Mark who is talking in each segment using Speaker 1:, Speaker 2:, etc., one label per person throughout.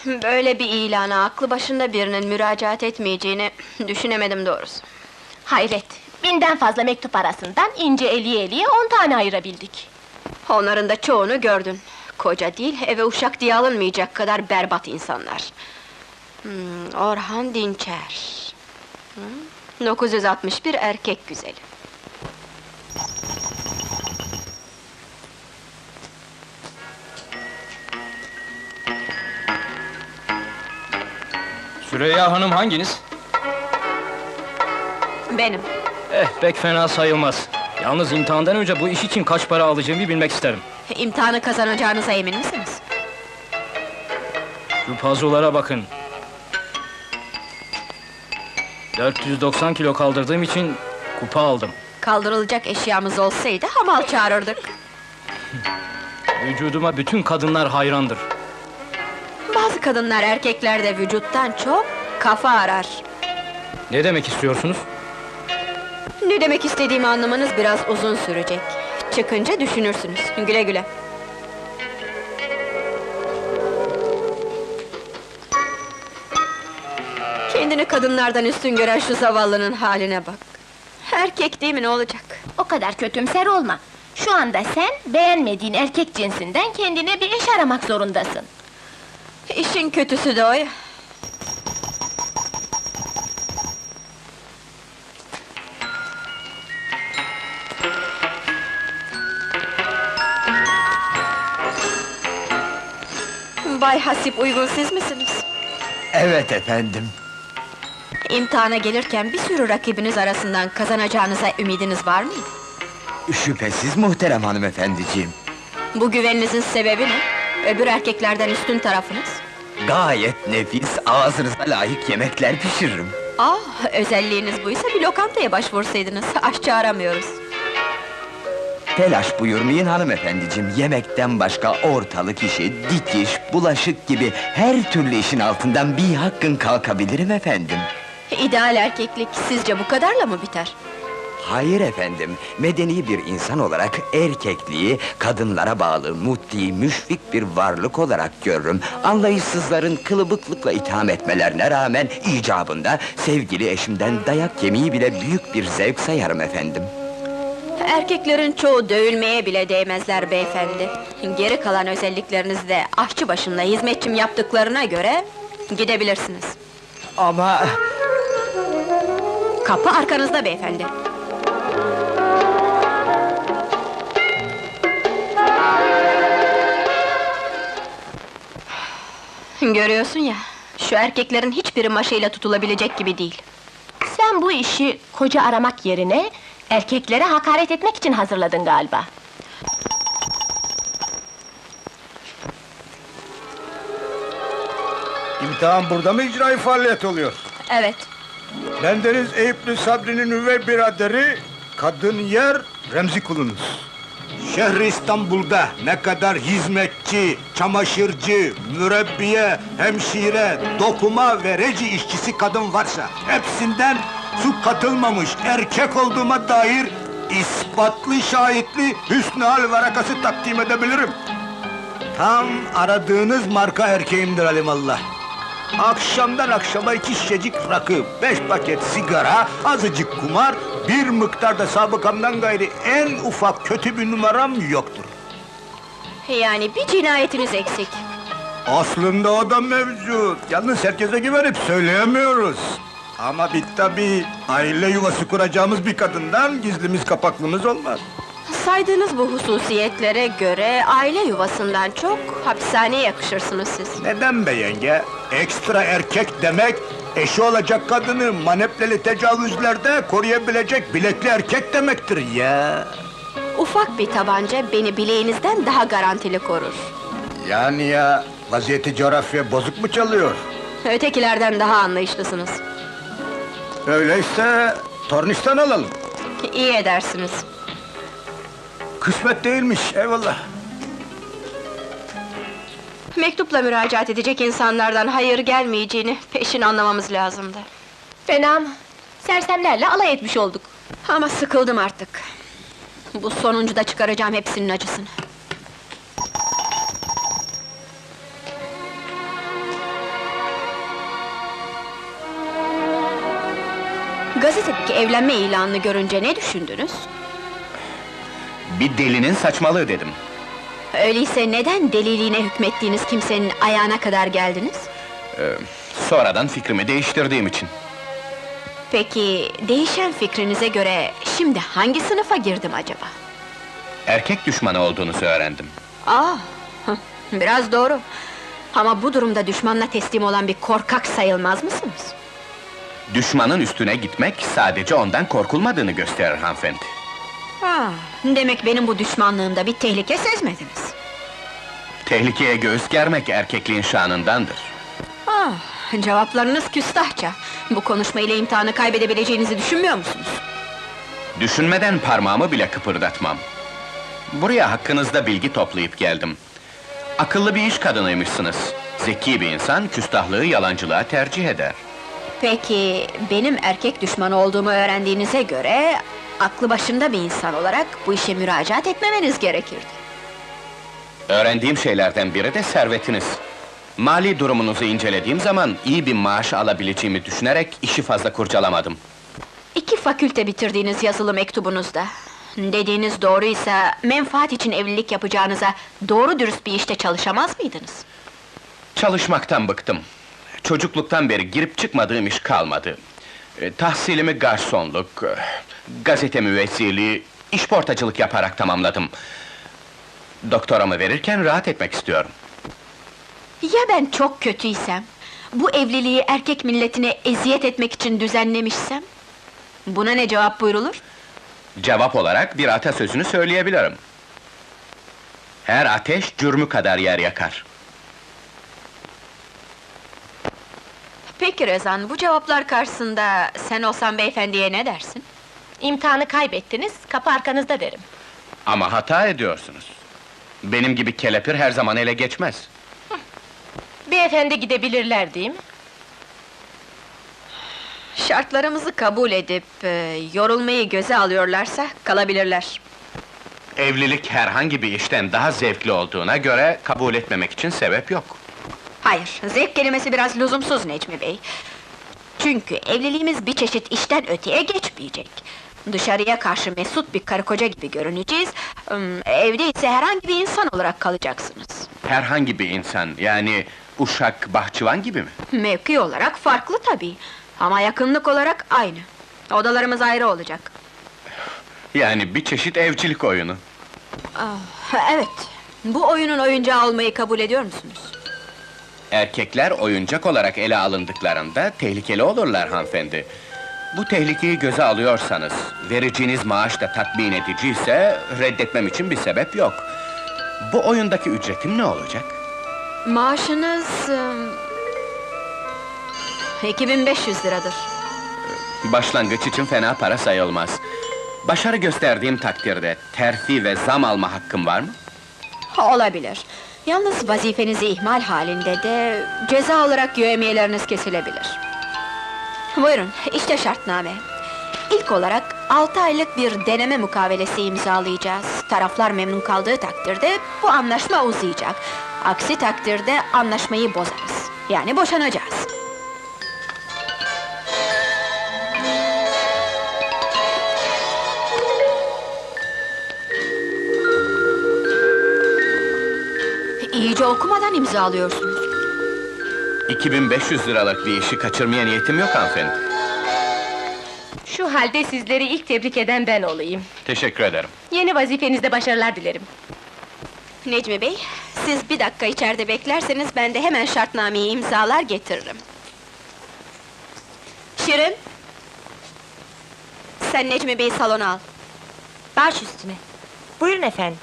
Speaker 1: Böyle bir ilana aklı başında birinin müracaat etmeyeceğini düşünemedim doğrusu.
Speaker 2: Hayret, 1000'den fazla mektup arasından ince eliye 10 tane ayırabildik.
Speaker 1: Onların da çoğunu gördün. Koca değil, eve uşak diye alınmayacak kadar berbat insanlar. Orhan Dinçer. 961 erkek güzeli.
Speaker 3: Süreyya Hanım hanginiz?
Speaker 1: Benim.
Speaker 3: Pek fena sayılmaz. Yalnız imtihandan önce bu iş için kaç para alacağımı bilmek isterim.
Speaker 1: İmtihanı kazanacağınıza emin misiniz?
Speaker 3: Şu pazulara bakın. 490 kilo kaldırdığım için kupa aldım.
Speaker 1: Kaldırılacak eşyamız olsaydı hamal çağırırdık.
Speaker 3: Vücuduma bütün kadınlar hayrandır.
Speaker 1: Bazı kadınlar erkeklerde vücuttan çok kafa arar.
Speaker 3: Ne demek istiyorsunuz?
Speaker 1: Ne demek istediğimi anlamanız biraz uzun sürecek. Çıkınca düşünürsünüz. Güle güle. Kendini kadınlardan üstün gören şu zavallının haline bak. Erkek değil mi, ne olacak?
Speaker 2: O kadar kötümser olma. Şu anda sen, beğenmediğin erkek cinsinden kendine bir iş aramak zorundasın.
Speaker 1: İşin kötüsü de o ya. Bay Hasip, uygun siz misiniz?
Speaker 4: Evet efendim.
Speaker 1: İmtihana gelirken bir sürü rakibiniz arasından kazanacağınıza ümidiniz var mıydı?
Speaker 4: Şüphesiz muhterem hanımefendiciğim.
Speaker 1: Bu güveninizin sebebi ne? Öbür erkeklerden üstün tarafınız?
Speaker 4: Gayet nefis, ağzınıza layık yemekler pişiririm.
Speaker 1: Özelliğiniz buysa bir lokantaya başvursaydınız, aşçı aramıyoruz.
Speaker 4: Telaş buyurmayın hanımefendiciğim, yemekten başka ortalık işi, dikiş, bulaşık gibi her türlü işin altından bir hakkın kalkabilirim efendim.
Speaker 1: İdeal erkeklik sizce bu kadarla mı biter?
Speaker 4: Hayır efendim, medeni bir insan olarak erkekliği, kadınlara bağlı, mutti, müşfik bir varlık olarak görürüm. Anlayışsızların kılıbıklıkla itham etmelerine rağmen icabında sevgili eşimden dayak yemeyi bile büyük bir zevk sayarım efendim.
Speaker 1: Erkeklerin çoğu dövülmeye bile değmezler beyefendi. Geri kalan özellikleriniz de aşçı başında hizmetçim yaptıklarına göre gidebilirsiniz.
Speaker 4: Ama...
Speaker 1: Kapı arkanızda beyefendi. Görüyorsun ya, şu erkeklerin hiçbiri maşayla tutulabilecek gibi değil.
Speaker 2: Sen bu işi koca aramak yerine, erkeklere hakaret etmek için hazırladın galiba.
Speaker 5: İmtihan burada mı icra faaliyet oluyor?
Speaker 1: Evet.
Speaker 5: Bendeniz Eyüplü Sabri'nin üvey biraderi, kadın yer Remzi kulunuz. Şehri İstanbul'da ne kadar hizmetçi, çamaşırcı, mürebbiye, hemşire, dokuma ve reci işçisi kadın varsa hepsinden su katılmamış erkek olduğuma dair ispatlı şahitli hüsnü hal varakası takdim edebilirim. Tam aradığınız marka erkeğimdir alimallah. Akşamdan akşama 2 şişecik rakı, 5 paket sigara, azıcık kumar, bir miktarda sabıkamdan gayri en ufak kötü bir numaram yoktur.
Speaker 1: Yani bir cinayetiniz eksik.
Speaker 5: Aslında o da mevcut, yalnız herkese güvenip söyleyemiyoruz. Ama tabii aile yuvası kuracağımız bir kadından gizlimiz kapaklımız olmaz.
Speaker 1: Saydığınız bu hususiyetlere göre aile yuvasından çok hapishaneye yakışırsınız siz.
Speaker 5: Neden be yenge? Ekstra erkek demek, eşi olacak kadını manepleli tecavüzlerde koruyabilecek bilekli erkek demektir ya!
Speaker 1: Ufak bir tabanca beni bileğinizden daha garantili korur.
Speaker 5: Yani ya, vaziyeti coğrafya bozuk mu çalıyor?
Speaker 1: Ötekilerden daha anlayışlısınız.
Speaker 5: Öyleyse, tornistan alalım.
Speaker 1: İyi edersiniz.
Speaker 5: Kısmet değilmiş, eyvallah.
Speaker 1: Mektupla müracaat edecek insanlardan hayır gelmeyeceğini peşin anlamamız lazımdı.
Speaker 2: Fena mı? Sersemlerle alay etmiş olduk.
Speaker 1: Ama sıkıldım artık. Bu sonuncuda çıkaracağım hepsinin acısını. Gazetedeki evlenme ilanını görünce ne düşündünüz?
Speaker 6: Bir delinin saçmalığı dedim.
Speaker 1: Öyleyse neden deliliğine hükmettiğiniz kimsenin ayağına kadar geldiniz?
Speaker 6: Sonradan fikrimi değiştirdiğim için.
Speaker 1: Peki, değişen fikrinize göre şimdi hangi sınıfa girdim acaba?
Speaker 6: Erkek düşmanı olduğunuzu öğrendim.
Speaker 1: Hıh, biraz doğru. Ama bu durumda düşmanla teslim olan bir korkak sayılmaz mısınız?
Speaker 6: Düşmanın üstüne gitmek sadece ondan korkulmadığını gösterir hanımefendi.
Speaker 1: Demek benim bu düşmanlığımda bir tehlike sezmediniz.
Speaker 6: Tehlikeye göğüs germek erkekliğin şanındandır.
Speaker 1: Cevaplarınız küstahça. Bu konuşmayla imtihanı kaybedebileceğinizi düşünmüyor musunuz?
Speaker 6: Düşünmeden parmağımı bile kıpırdatmam. Buraya hakkınızda bilgi toplayıp geldim. Akıllı bir iş kadınıymışsınız. Zeki bir insan küstahlığı yalancılığa tercih eder.
Speaker 1: Peki, benim erkek düşmanı olduğumu öğrendiğinize göre... ...aklı başında bir insan olarak bu işe müracaat etmemeniz gerekirdi.
Speaker 6: Öğrendiğim şeylerden biri de servetiniz. Mali durumunuzu incelediğim zaman iyi bir maaş alabileceğimi düşünerek işi fazla kurcalamadım.
Speaker 1: 2 fakülte bitirdiğiniz yazılı mektubunuzda... ...dediğiniz doğruysa, menfaat için evlilik yapacağınıza... ...doğru dürüst bir işte çalışamaz mıydınız?
Speaker 6: Çalışmaktan bıktım. Çocukluktan beri girip çıkmadığım iş kalmadı. Tahsilimi garsonluk, gazete müvezzirliği, işportacılık yaparak tamamladım. Doktoramı verirken rahat etmek istiyorum.
Speaker 1: Ya ben çok kötüysem? Bu evliliği erkek milletine eziyet etmek için düzenlemişsem? Buna ne cevap buyrulur?
Speaker 6: Cevap olarak bir atasözünü söyleyebilirim. Her ateş cürmü kadar yer yakar.
Speaker 1: Peki Rezan, bu cevaplar karşısında sen olsan beyefendiye ne dersin?
Speaker 2: İmtihanı kaybettiniz, kapı arkanızda derim.
Speaker 6: Ama hata ediyorsunuz. Benim gibi kelepir her zaman ele geçmez.
Speaker 2: Beyefendi gidebilirler değil mi?
Speaker 1: Şartlarımızı kabul edip, yorulmayı göze alıyorlarsa kalabilirler.
Speaker 6: Evlilik herhangi bir işten daha zevkli olduğuna göre kabul etmemek için sebep yok.
Speaker 1: Hayır, zevk kelimesi biraz lüzumsuz Necmi Bey. Çünkü evliliğimiz bir çeşit işten öteye geçmeyecek. Dışarıya karşı mesut bir karı koca gibi görüneceğiz... ...evde ise herhangi bir insan olarak kalacaksınız.
Speaker 6: Herhangi bir insan, yani uşak, bahçıvan gibi mi?
Speaker 1: Mevki olarak farklı tabii. Ama yakınlık olarak aynı. Odalarımız ayrı olacak.
Speaker 6: Yani bir çeşit evcilik oyunu.
Speaker 1: Evet, bu oyunun oyuncağı olmayı kabul ediyor musunuz?
Speaker 6: Erkekler oyuncak olarak ele alındıklarında tehlikeli olurlar hanımefendi. Bu tehlikeyi göze alıyorsanız, vereceğiniz maaş da tatmin ediciyse, reddetmem için bir sebep yok. Bu oyundaki ücretim ne olacak?
Speaker 1: Maaşınız... 2500 liradır.
Speaker 6: Başlangıç için fena para sayılmaz. Başarı gösterdiğim takdirde terfi ve zam alma hakkım var mı?
Speaker 1: Olabilir. Yalnız vazifenizi ihmal halinde de... ...ceza olarak yevmiyeleriniz kesilebilir. Buyurun, işte şartname. İlk olarak 6 aylık bir deneme mukavelesi imzalayacağız. Taraflar memnun kaldığı takdirde bu anlaşma uzayacak. Aksi takdirde anlaşmayı bozarız. Yani boşanacağız. İyice okumadan imzalıyorsunuz.
Speaker 6: 2500 liralık bir işi kaçırmaya niyetim yok hanımefendi.
Speaker 2: Şu halde sizleri ilk tebrik eden ben olayım.
Speaker 6: Teşekkür ederim.
Speaker 2: Yeni vazifenizde başarılar dilerim.
Speaker 1: Necmi Bey, siz bir dakika içeride beklerseniz ben de hemen şartnameyi imzalar getiririm. Şirin! Sen Necmi Bey'i salona al.
Speaker 2: Baş üstüne. Buyurun efendim.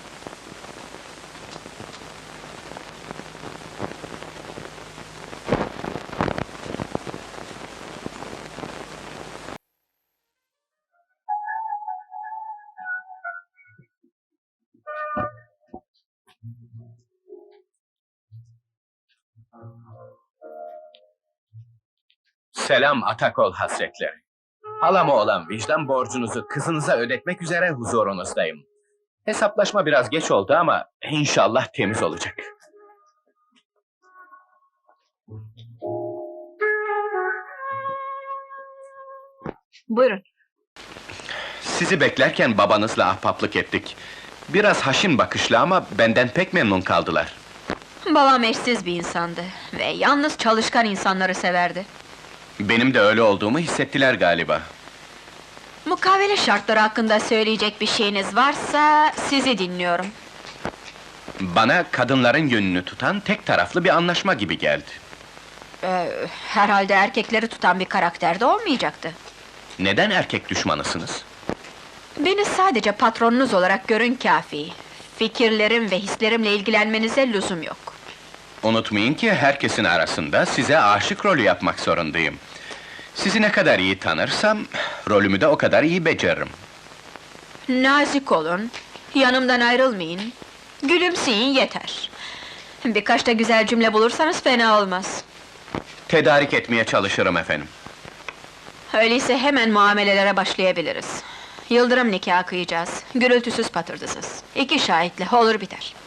Speaker 6: Selam Atakol hasretleri. Halama olan vicdan borcunuzu kızınıza ödetmek üzere huzurunuzdayım. Hesaplaşma biraz geç oldu ama inşallah temiz olacak.
Speaker 1: Buyurun.
Speaker 6: Sizi beklerken babanızla ahbaplık ettik. Biraz haşin bakışlı ama benden pek memnun kaldılar.
Speaker 1: Babam eşsiz bir insandı ve yalnız çalışkan insanları severdi.
Speaker 6: Benim de öyle olduğumu hissettiler galiba.
Speaker 1: Mukavele şartları hakkında söyleyecek bir şeyiniz varsa sizi dinliyorum.
Speaker 6: Bana kadınların yönünü tutan tek taraflı bir anlaşma gibi geldi.
Speaker 1: Herhalde erkekleri tutan bir karakterde olmayacaktı.
Speaker 6: Neden erkek düşmanısınız?
Speaker 1: Beni sadece patronunuz olarak görün kâfi. Fikirlerim ve hislerimle ilgilenmenize lüzum yok.
Speaker 6: Unutmayın ki herkesin arasında size aşık rolü yapmak zorundayım. Sizi ne kadar iyi tanırsam, rolümü de o kadar iyi beceririm.
Speaker 1: Nazik olun, yanımdan ayrılmayın. Gülümseyin yeter. Birkaç da güzel cümle bulursanız fena olmaz.
Speaker 6: Tedarik etmeye çalışırım efendim.
Speaker 1: Öyleyse hemen muamelelere başlayabiliriz. Yıldırım nikahı kıyacağız. Gürültüsüz patırtısız. 2 şahitle olur biter.